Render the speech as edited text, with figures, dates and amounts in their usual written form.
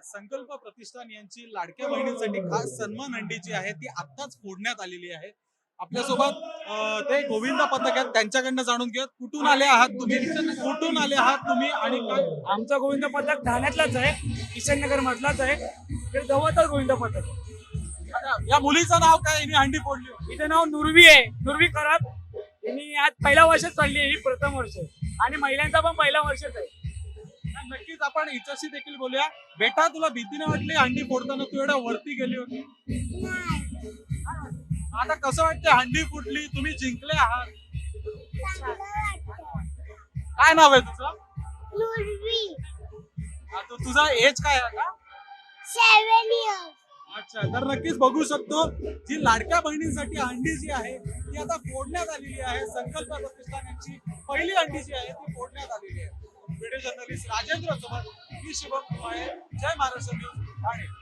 संकल्प प्रतिष्ठान यांची लाडक्या बहिणींसाठी खास सन्मान हंडी जी आहे ती आत्ताच फोडण्यात आलेली आहे. आपल्यासोबत ते गोविंदा पथक आहेत, त्यांच्याकडनं जाणून घेऊयात. कुठून आले आहात तुम्ही? कुठून आले आहात तुम्ही आणि काय? आमचा गोविंद पथक ठाण्यातलाच आहे, किशननगर मधलाच आहे. ते जवळच गोविंद पथक. आता या मुलीचं नाव काय? हिने हंडी फोडली होती. इथे नाव नुरवी आहे, नुरवी करात. त्यांनी आज पहिला वर्षच चालली आहे, ही प्रथम वर्ष आणि महिलांचा पण पहिला वर्षच आहे. नक्कीच आपण हिच्याशी देखील बोलूया. बेटा, तुला भीती नाही वाटली हंडी फोडताना? तू एवढ्या वरती गेली होती. आता कसं वाटतं? हंडी फुटली, तुम्ही जिंकले आहात. काय नाव आहे तुझं? तुझा एज काय आहे आता? 7 years. अच्छा, तर नक्कीच बघू शकतो जी लाडक्या बहिणींसाठी हंडी जी आहे ती आता फोडण्यात आलेली आहे. संकल्प प्रतिष्ठान यांची पहिली हंडी जी आहे ती फोडण्यात आलेली आहे. व्हिडिओ जर्नलिस्ट राजेंद्र सोबत मी शुभम कुमार. जय महाराष्ट्र न्यूज ठाणे.